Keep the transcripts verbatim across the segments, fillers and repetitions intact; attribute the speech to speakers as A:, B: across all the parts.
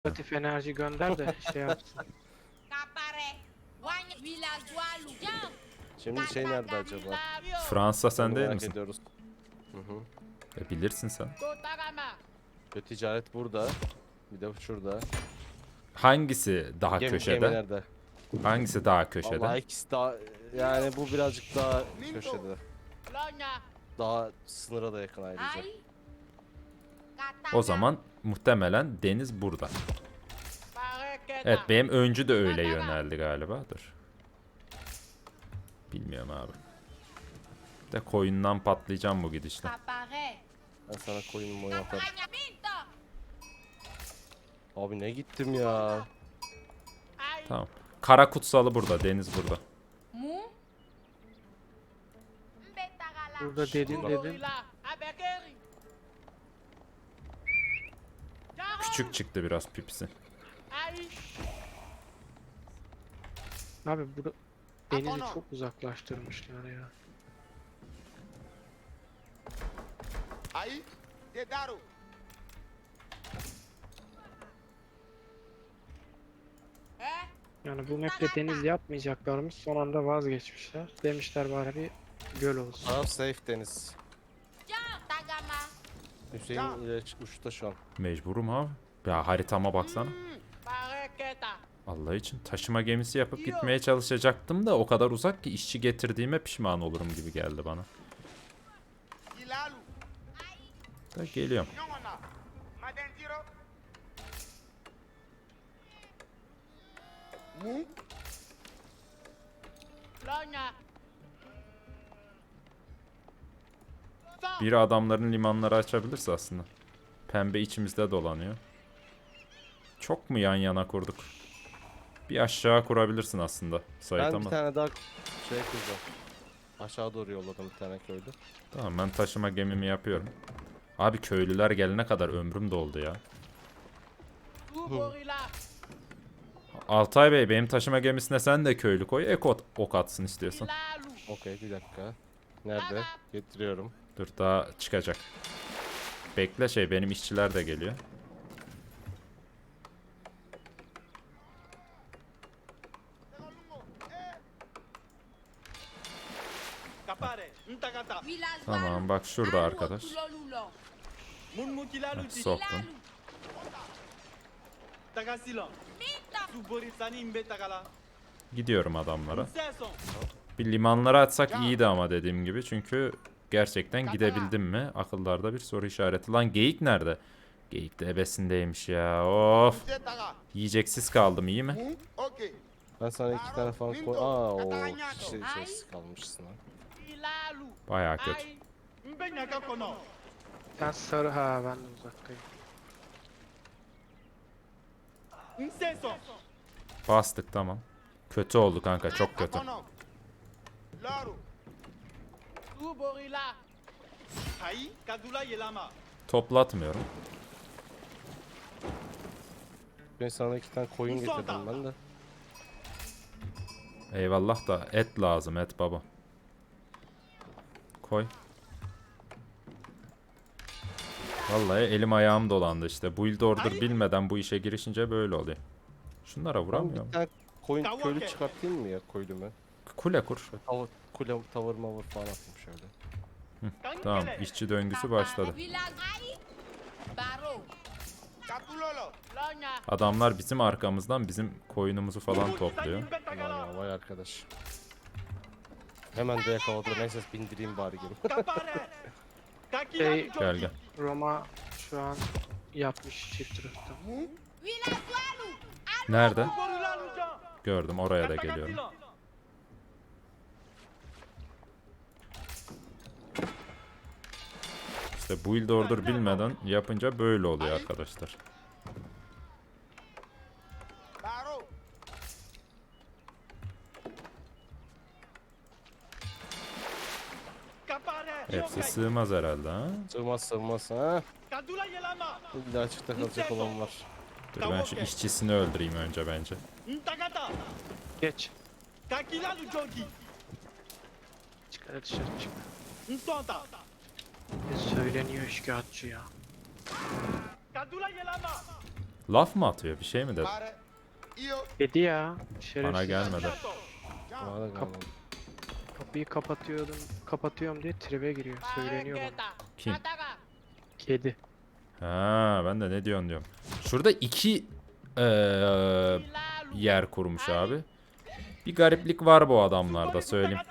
A: Negatif enerji gönder de şey yapsın.
B: Şimdi şey nerede acaba?
C: Fransa sen
B: Onu
C: değil
B: merak
C: misin?
B: ediyoruz. Hı hı.
C: E, bilirsin sen.
B: Ve ticaret burada. Bir de şurada.
C: Hangisi daha
B: Gemi,
C: köşede?
B: gemi nerede?
C: Hangisi daha köşede?
B: Vallahi ikisi daha yani bu birazcık daha köşede. Daha sınıra da yakın ayrıca.
C: O zaman muhtemelen deniz burada. Evet, benim öncü de öyle yöneldi galiba. Dur. Bilmiyorum abi. De koyundan patlayacağım bu gidişle.
B: Ben sana koyunumu yaparım. Abi ne gittim ya.
C: Tamam. Kara kutsalı burada, deniz burada.
A: Burada dedin dedin.
C: Küçük çıktı biraz pipisi.
A: Abi burada denizi çok uzaklaştırmışlar ya.
D: Aí, Dedaro.
A: Yani bu map'te deniz yapmayacaklarmış, son anda vazgeçmişler. Demişler bari bir göl olsun.
B: Taraf safe deniz. Hüseyin ile uçta şu an.
C: Mecburum abi. Ya haritama baksana. Allah için taşıma gemisi yapıp gitmeye çalışacaktım da o kadar uzak ki işçi getirdiğime pişman olurum gibi geldi bana.
D: Ilalu.
C: Da geliyorum.
D: Nyongona. Madentiro. Mu.
C: Biri adamların limanları açabilirse aslında. Pembe içimizde dolanıyor. Çok mu yan yana kurduk? Bir aşağı kurabilirsin aslında Sait
B: Ben bir
C: ama.
B: tane daha şey kuracağım. Aşağı doğru yolladım bir tane köylü.
C: Tamam, ben taşıma gemimi yapıyorum. Abi köylüler gelene kadar ömrüm doldu ya. Altay Bey, benim taşıma gemisine sen de köylü koy. Ek ot- ok atsın istiyorsan.
B: Okey bir dakika. Nerede? Getiriyorum.
C: Dur, daha çıkacak. Bekle, şey, benim işçiler de geliyor. Tamam, bak şurada arkadaş. Bak, soktum. Gidiyorum adamlara. Bir limanları atsak iyiydi ama dediğim gibi. Çünkü gerçekten gidebildim mi? Akıllarda bir soru işareti. Lan geyik nerede? Geyik de ebesindeymiş ya. Of. Yiyeceksiz kaldım, iyi mi?
D: Mu. Ok.
B: Ben sana iki tane falan koy. Aa o kişi içerisi kalmışsın ha.
C: Bayağı kötü.
A: Sen sarı, ha ben de uzaktayım.
C: Bastık, tamam. Kötü oldu kanka, çok kötü.
D: Akono. Loro.
C: Toplatmıyorum.
B: Ben sana iki tane koyun getirdim ben de.
C: Eyvallah da et lazım, et baba. Koy. Vallahi elim ayağım dolandı işte. Build order bilmeden bu işe girişince böyle oluyor. Şunlara
B: Ben
C: vuramıyor
B: bir
C: mu?
B: tane koyun köylü çıkartayım mı ya koylümü?
C: Kule kur.
B: Tavır, kule, tavır mavır falan atayım şöyle.
C: Tamam, işçi döngüsü başladı.
D: Capulolo.
C: Adamlar bizim arkamızdan bizim koyunumuzu falan topluyor.
B: Aman ya vay arkadaş. Hemen de yakaladı. Neyse bindireyim bari geri.
A: Şey,
C: Gel gel.
A: Roma şu an yapmış çift rıhtım.
C: Nerede? Gördüm, oraya da geliyorum. İşte build order bilmeden yapınca böyle oluyor arkadaşlar.
D: Baro.
C: Hepsi sığmaz herhalde ha.
B: Sığmaz sığmaz ha. Bir daha açıkta kalacak olan var.
C: Dur, ben şu işçisini öldüreyim önce bence.
A: Geç. Çıkar dışarı çık. Ne söyleniyor şikayetçi ya.
C: Laf mı atıyor? Bir şey mi dedi?
D: Pare. Io.
A: Dedi ya. Şerefsiz.
C: Bana gelmedi.
B: Bana da gelmedi.
A: Kapıyı kapatıyordum. Kapatıyorum diye tribe giriyor. Söyleniyor bana.
C: Kim?
A: Kedi.
C: Ha, ben de ne diyorsun diyorum. Şurada iki eee, yer kurmuş abi. Bir gariplik var bu adamlarda, söyleyeyim.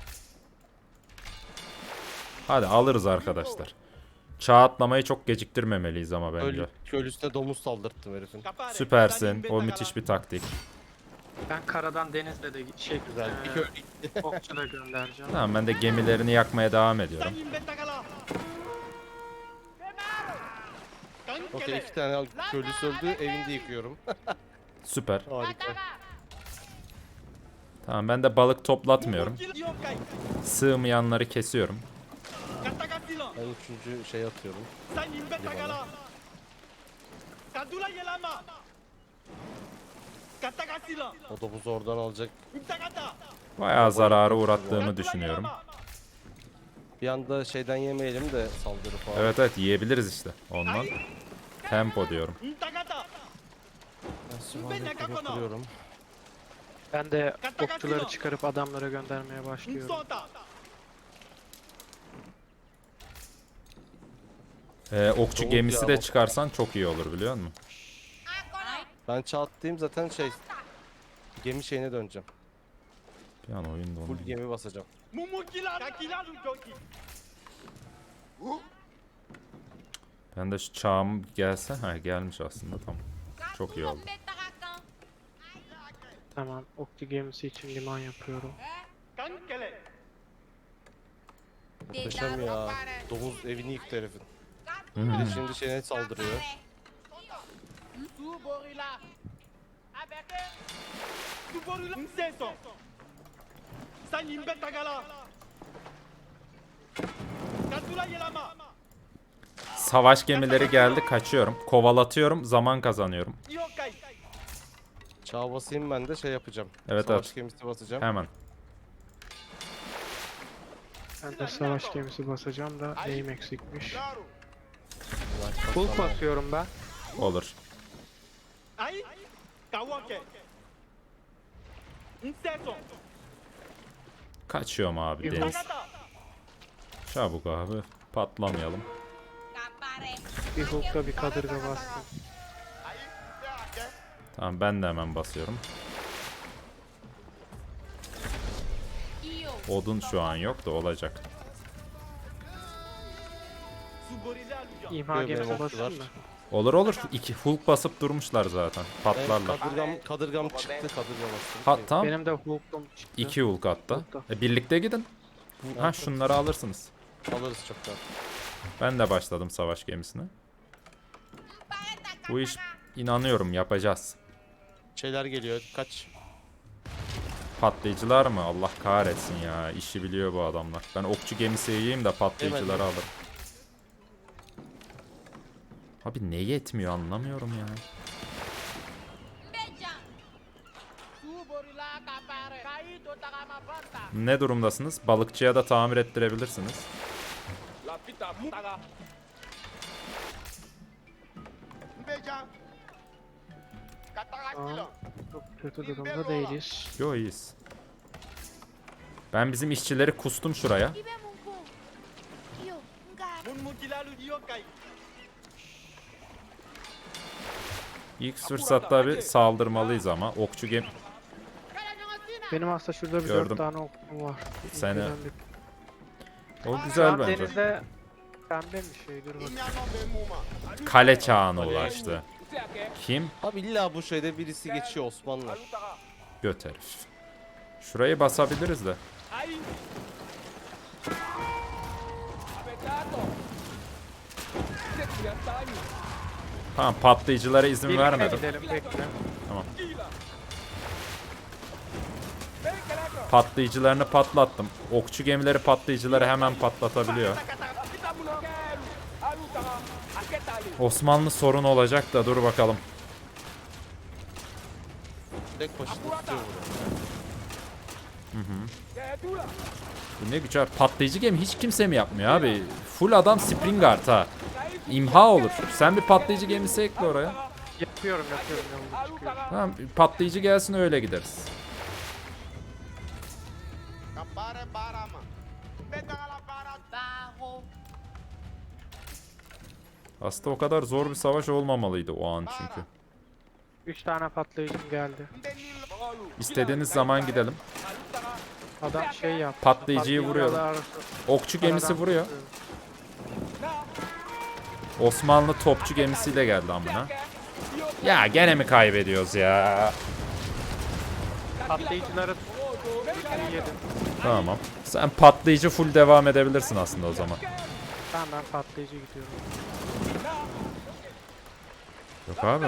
C: Hadi alırız arkadaşlar. Çağ atlamayı çok geciktirmemeliyiz ama bence.
B: Köl, köylüsüne domuz saldırttım herifin.
C: Süpersin. O müthiş bir taktik.
A: Ben karadan denizle de şey
B: Güzel. Bir
A: eee,
B: köylü
A: okçu da göndereceğim.
C: Tamam, ben de gemilerini yakmaya devam ediyorum.
B: Okey, iki tane köylüsü öldü, evinde yıkıyorum.
C: Süper.
B: Harika.
C: Tamam, ben de balık toplatmıyorum. Sığmayanları kesiyorum.
B: Ben üçüncü şey atıyorum. Limana. O domuzu oradan alacak.
C: Bayağı zarara uğrattığımı düşünüyorum.
B: Bir anda şeyden yemeyelim de saldırı falan.
C: Evet evet, yiyebiliriz işte ondan. Tempo diyorum.
B: Ben süvariyi kuruyorum.
A: Ben de okçuları çıkarıp adamlara göndermeye başlıyorum.
C: Ee, okçu
B: Soğuk
C: gemisi
B: ya,
C: de
B: bak.
C: çıkarsan çok iyi olur, biliyor musun?
B: Ben çağatlayayım zaten şey... Gemi şeyine döneceğim.
C: Bir an oyun
B: Full
C: dondu.
B: gemi basacağım.
C: Ben de şu çağım gelse, ha gelmiş aslında, tamam. Çok iyi oldu.
A: Tamam, okçu gemisi için liman yapıyorum.
B: Muhteşem ya. Domuz evini yıktı herifin.
C: Hmm.
B: Bir de şimdi şeyine saldırıyor.
C: Savaş gemileri geldi, kaçıyorum. Kovalatıyorum, zaman kazanıyorum.
B: Çağ basayım, ben de şey yapacağım.
C: Evet,
B: Savaş
C: evet.
B: gemisi basacağım.
C: Hemen.
A: Ben de savaş gemisi basacağım da neyim eksikmiş.
D: Claro.
A: Full basıyorum ben.
C: Olur. Kaçıyorum abi,
A: Bir
C: deniz. Çabuk abi. Patlamayalım.
A: Bir hook'ta bir kadırga bastım.
D: Ahí. Ya, ya.
C: Tamam, ben de hemen basıyorum. Odun şu an yok da olacak.
A: İmha
B: Böyle
A: gemisi
B: okçular.
A: basayım mı?
C: Olur olur. İki Hulk basıp durmuşlar zaten.
B: Evet,
C: Patlarlar.
B: kadırgam, kadırgam çıktı, kadırgam bastım.
C: Ha, tamam.
A: Benim de hook'um çıktı.
C: İki Hulk hatta.
A: Hulk'ta.
C: E, birlikte gidin. Ha, şunları alırsınız.
B: Alırız çoktan.
C: Ben de başladım savaş gemisine. Bu iş, inanıyorum, yapacağız.
B: Şeyler geliyor, kaç.
C: Patlayıcılar mı? Allah kahretsin ya. İşi biliyor bu adamlar. Ben okçu gemisi yiyeyim de patlayıcıları
B: Hemen.
C: alırım. Abi ne yetmiyor, anlamıyorum ya. Ne durumdasınız? Balıkçıya da tamir ettirebilirsiniz.
D: Mbeja. Katakatilo.
A: Çok kötü durumda değiliz.
C: Yo, iyiyiz. Ben bizim işçileri kustum şuraya. İlk fırsatta bir saldırmalıyız ama. Okçu gem...
A: Benim aslında şurada bir
C: Gördüm.
A: dört tane okçum var.
C: Seni-
A: İlkeden bir-
C: O
A: Şu
C: güzel
A: an
C: bence.
A: denizde pembe bir şey, dur bakayım.
D: Inyano be muma.
C: Kale çağına ulaştı. Kim?
B: Abi illa bu şeyde birisi geçiyor, Osmanlı.
C: Göt herif. Şurayı basabiliriz de. Tamam, patlayıcılara izin
A: Birlikte
C: vermedim.
A: gidelim, bekle.
C: Patlayıcılarını patlattım. Okçu gemileri patlayıcıları hemen patlatabiliyor. Osmanlı sorun olacak da dur bakalım.
B: Tek başına tutuyor burada.
C: Bu ne güzel. Patlayıcı gemi hiç kimse mi yapmıyor abi? Full adam Springard ha. İmha olur. Sen bir patlayıcı gemisi ekle oraya.
A: Yapıyorum yapıyorum yolda çıkıyorum.
C: Tamam patlayıcı gelsin öyle gideriz.
D: Kapare barama. Betala bara.
E: Barro.
C: Aslında o kadar zor bir savaş olmamalıydı o an çünkü.
A: Üç tane patlayıcım geldi.
C: İstediğiniz zaman gidelim.
A: Adam şey yaptı.
C: Patlayıcıyı vuruyor.
A: arası-
C: Okçu gemisi
A: aradan
C: vuruyor.
A: tutuyor.
C: Osmanlı topçu gemisiyle geldi amına. Ya gene mi kaybediyoruz ya?
A: Patlayıcıları hepsini yedim.
C: Tamam. Sen patlayıcı full devam edebilirsin aslında o zaman.
A: Tamam ben patlayıcı gidiyorum.
C: Yok abi.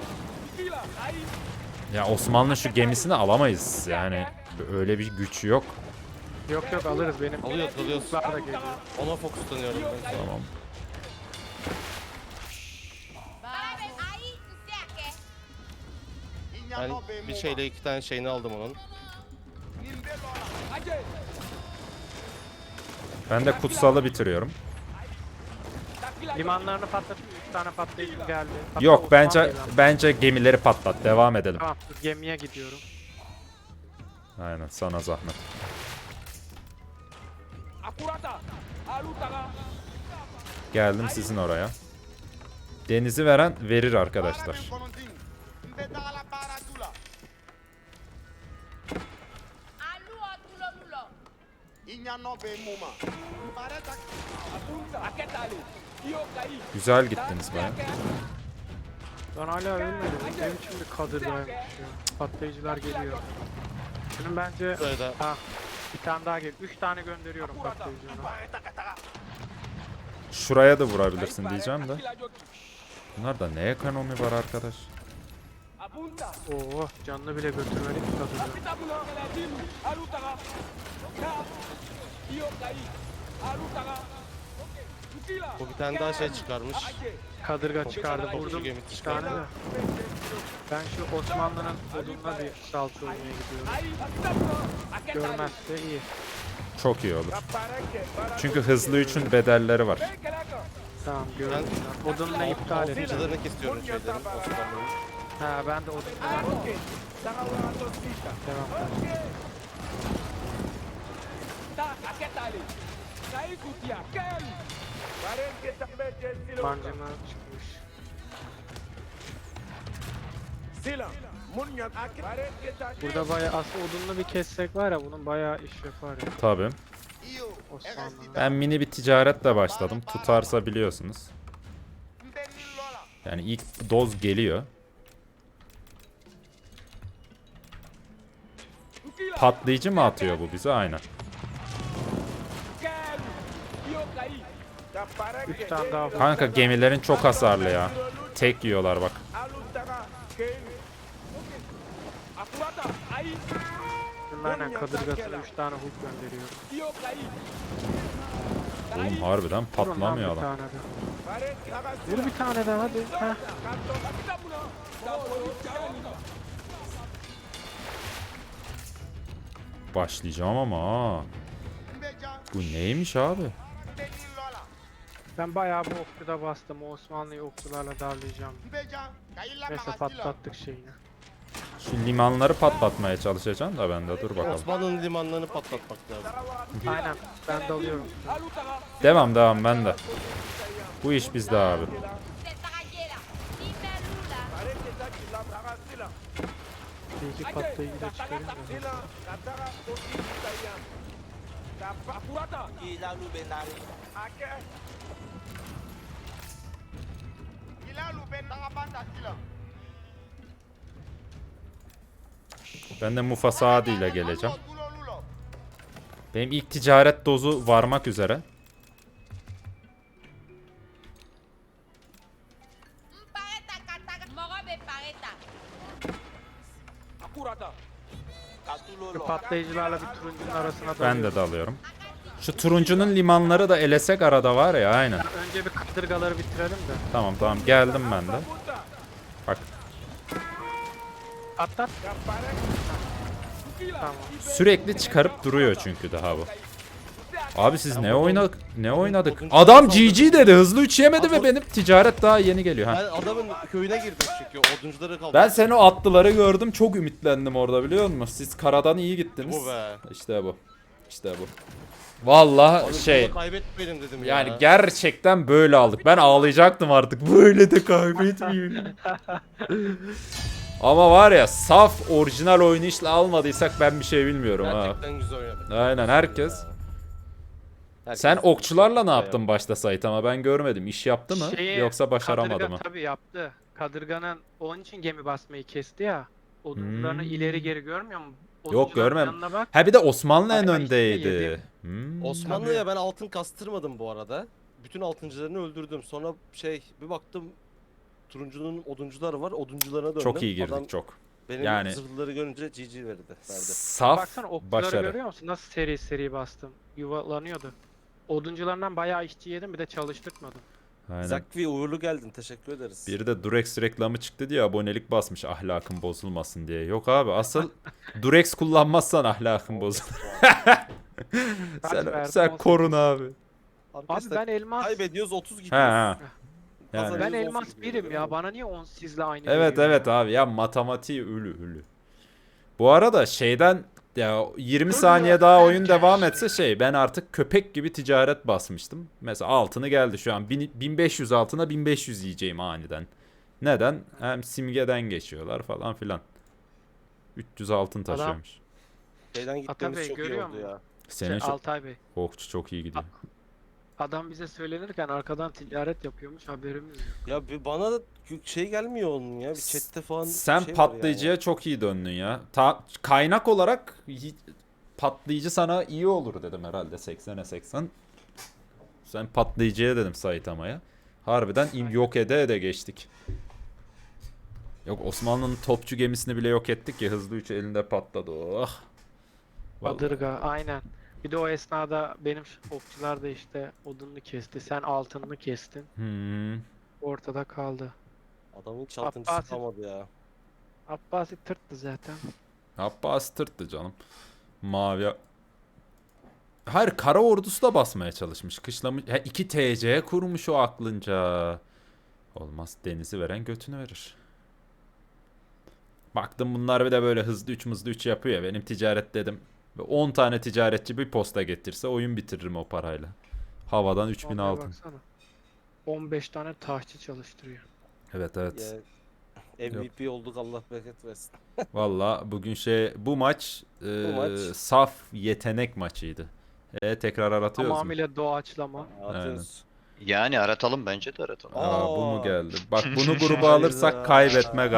C: Ya Osmanlı şu gemisini alamayız yani. Öyle bir güç yok.
A: Yok yok alırız benim.
B: Alıyoruz, alıyoruz.
A: Kuşlar da geliyor.
B: Ona fokuslanıyorum ben.
C: Tamam.
E: Barro. Aí, você quer?
B: Ben bir şeyle iki tane şeyini aldım onun.
C: Ben de kutsalı bitiriyorum.
A: Limanlarını patlatayım. Üç tane patlayıcım geldi. Hatta
C: Yok
A: Osman
C: bence
A: değil ama.
C: bence gemileri patlat. Devam edelim.
A: Tamam dur, gemiye gidiyorum.
C: Aynen sana zahmet. Geldim sizin oraya. Denizi veren verir arkadaşlar.
D: Betala bara tula.
E: Aluo, tulo, lulo.
D: Inya no be muma. Pareta.
C: Güzel gittiniz baya.
A: Ben hala ölmedim. Ne biçim bir kadırdaymış ya. Patlayıcılar geliyor. Şunun bence...
B: Buraya da
A: Ha, bir tane daha gel. Üç tane gönderiyorum patlayıcını.
C: Şuraya da vurabilirsin diyeceğim de. Bunlarda ne ekonomi var arkadaş?
A: Oo, canını bile götürmedik ki kadırda.
B: bu bir tane daha şey çıkarmış.
A: Kadırga çıkardı.
B: Okçu
A: Vurdum
B: gemi
A: bir
B: çıkardı.
A: tane de. Ben şu Osmanlı'nın odununa bir salça oynaya gidiyorum. Görmezse iyi.
C: Çok iyi olur. Çünkü hızlı üçün bedelleri var.
A: Tamam gördüm. Odunla iptal edeceğim.
B: Okçularını kesiyorum şeylerin. Osmanlı'nın.
A: Ha ben de odunla devam edeceğim. Bancıma çıkmış. Burada bayağı aslında odunla bir kessek var ya bunun bayağı iş yapar ya
C: Tabii.
D: Io.
A: Osmanlı.
C: Ben mini bir ticaretle başladım. Tutarsa biliyorsunuz.
D: Lola.
C: Yani ilk doz geliyor. Patlayıcı mı atıyor bu bize? Aynen.
A: Üç tane daha var.
C: Kanka gemilerin çok hasarlı ya. Tek yiyorlar bak.
A: Aynen kadırgasına üç tane hook gönderiyorum.
C: Oğlum harbiden
A: Vurun lan
C: patlamıyor
A: bir
C: adam.
A: tane de. Vur bir tane daha hadi. Heh.
C: Başlayacağım ama ha.
D: Beja.
C: Bu neymiş abi?
D: Lola.
A: Ben bayağı bu okçuda bastım. O Osmanlı'yı okçularla darlayacağım.
D: Beja. Kaila
A: Neyse
D: magasila.
A: patlattık şeyini.
C: Şu limanları patlatmaya çalışacağım da ben de dur bakalım.
B: Osmanlı'nın limanlarını patlatmak lazım.
A: Aynen ben dalıyorum.
C: Devam devam ben de. Bu iş bizde abi.
E: Tetaragela. Limelula.
A: Bir iki patlayıcı da çıkarayım da.
D: Ila lu ben nakabanda sila.
C: Ben de Mufasa Adi ile geleceğim.
D: Lulo lulo.
C: Benim ilk ticaret dozu varmak üzere.
E: Pareta, cataga. Morobe, pareta.
A: Şu patlayıcılarla bir turuncunun arasına
C: Ben
A: dalıyorum.
C: de dalıyorum. Şu turuncunun limanları da elesek arada var ya aynen.
A: Önce bir kadırgaları bitirelim de.
C: Tamam tamam geldim ben de. Bak
A: Atlat. Tamam.
C: sürekli çıkarıp duruyor çünkü daha bu. Abi siz ne
B: Ya
C: oynadık? Ne
B: odun-
C: oynadık?
B: oduncu
C: Adam
B: saldırdı.
C: G G dedi. Hızlı üç yemedi ve
B: Adam-
C: benim ticaret daha yeni geliyor. Ha.
B: Ben adamın köyüne girdim çünkü oduncuları kaldı.
C: Ben seni o atlıları gördüm. Çok ümitlendim orada biliyor musun? Siz karadan iyi gittiniz.
B: Bu be.
C: İşte bu. İşte bu. Vallahi
B: Abi
C: şey
B: bunu kaybetmeyelim dedim
C: yani
B: ya.
C: gerçekten böyle aldık. Ben ağlayacaktım artık. Böyle de kaybetmeyeyim. Ama var ya saf orijinal oynayışla almadıysak ben bir şey bilmiyorum ha.
B: Gerçekten güzel oynadık.
C: Aynen herkes.
B: Herkes-
C: Sen okçularla ne yaptın başta Sait ama ben görmedim. İş yaptı mı
A: Şeyi,
C: yoksa başaramadı
A: Kadırga
C: mı?
A: tabii yaptı. Kadırganın onun için gemi basmayı kesti ya. Oduncularını
C: Hmm.
A: ileri geri görmüyor mu?
C: Yok
A: Oduncuların
C: görmem.
A: yanına bak.
C: Ha bir de Osmanlı en
A: Bayağı işte
C: öndeydi.
A: yedi.
C: Hmm.
B: Osmanlı'ya ben altın kastırmadım bu arada. Bütün altıncılarını öldürdüm. Sonra şey bir baktım turuncunun oduncuları var. Oduncularına döndüm.
C: Çok iyi girdik
B: Adam
C: çok.
B: benim
C: Yani-
B: zırhlıları görünce G G verdi. verdi.
C: Saf
A: Baksana okçuları
C: başarı.
A: görüyor musun? Nasıl seri seri bastım. Yuvalanıyordu. Oduncularından bayağı işçi yedim bir de çalıştırtmadım.
C: Aynen.
B: Zakvi uğurlu geldin. Teşekkür ederiz.
C: Bir de Durex reklamı çıktı diye abonelik basmış ahlakın bozulmasın diye. Yok abi asıl Durex kullanmazsan ahlakın bozulur. sen
A: verdim,
C: sen
A: on
C: korun abi.
A: Abi
B: Arkadaşlar
A: ben elmas
B: kaybediyoruz otuz
C: He
B: gidiyoruz.
C: he. Yani.
B: Kazanıyoruz,
A: ben
B: on
A: elmas
B: sekiz
A: birim
B: gidiyoruz.
A: ya. Bana niye on sizle aynı
C: Evet
A: veriyor
C: evet
A: ya?
C: abi ya matematiği ölü ölü. Bu arada şeyden ya yirmi saniye daha oyun devam etse şey ben artık köpek gibi ticaret basmıştım. Mesela altını geldi şu an bin- bin beş yüz altına bin beş yüz yiyeceğim aniden. Neden? Hem simgeden geçiyorlar falan filan. üç yüz altın
A: Adam-
C: taşıyormuş.
B: Şeyden
A: Atabey,
B: gitmemiz çok iyi
A: görüyor
B: oldu
A: musun?
B: ya.
C: Senin
A: Şey,
C: çok,
A: Altay Bey.
C: okçu çok iyi gidiyor.
A: Adam bize söylenirken arkadan ticaret yapıyormuş haberimiz yok.
B: Ya bir bana da şey gelmiyor onun ya. Bir chatte falan
C: Sen
B: şey var
C: patlayıcıya
B: yani.
C: çok iyi döndün ya. Ta- kaynak olarak hi- patlayıcı sana iyi olur dedim herhalde seksene seksen. Sen patlayıcıya dedim Saitama'ya. Harbiden in- yok ede ede geçtik. Yok Osmanlı'nın topçu gemisini bile yok ettik ya hızlı üç elinde patladı. Oh. Vallahi.
A: Badırga aynen. Bir de o esnada benim ş- okçular da işte odununu kesti. Sen altınını kestin.
C: Hmm.
A: Ortada kaldı.
B: Adamın hiç altıncısı
A: Abbasi-
B: kalmadı ya.
A: Abbasi tırttı zaten.
C: Abbas tırttı canım. Mavi. Hayır kara ordusu da basmaya çalışmış. Kışlamış. He, iki T C kurmuş o aklınca. Olmaz denizi veren götünü verir. Baktım bunlar bir de böyle hızlı üç hızlı üç yapıyor ya. Benim ticaret dedim. on tane ticaretçi bir posta getirse oyun bitiririm o parayla. Havadan üç bin
A: Vallahi
C: altın.
A: baksana. on beş tane taşçı çalıştırıyor.
C: Evet evet.
B: Ya, M V P olduk Allah bereket versin.
C: Valla bugün şey bu maç, e,
B: maç-
C: saf yetenek maçıydı. E, tekrar aratıyoruz mu?
A: Tamamıyla doğaçlama.
B: Atıyoruz.
F: Yani aratalım bence de aratalım.
C: Aa, bu mu
B: Aa.
C: geldi? Bak bunu gruba
B: Hayda.
C: alırsak kaybetme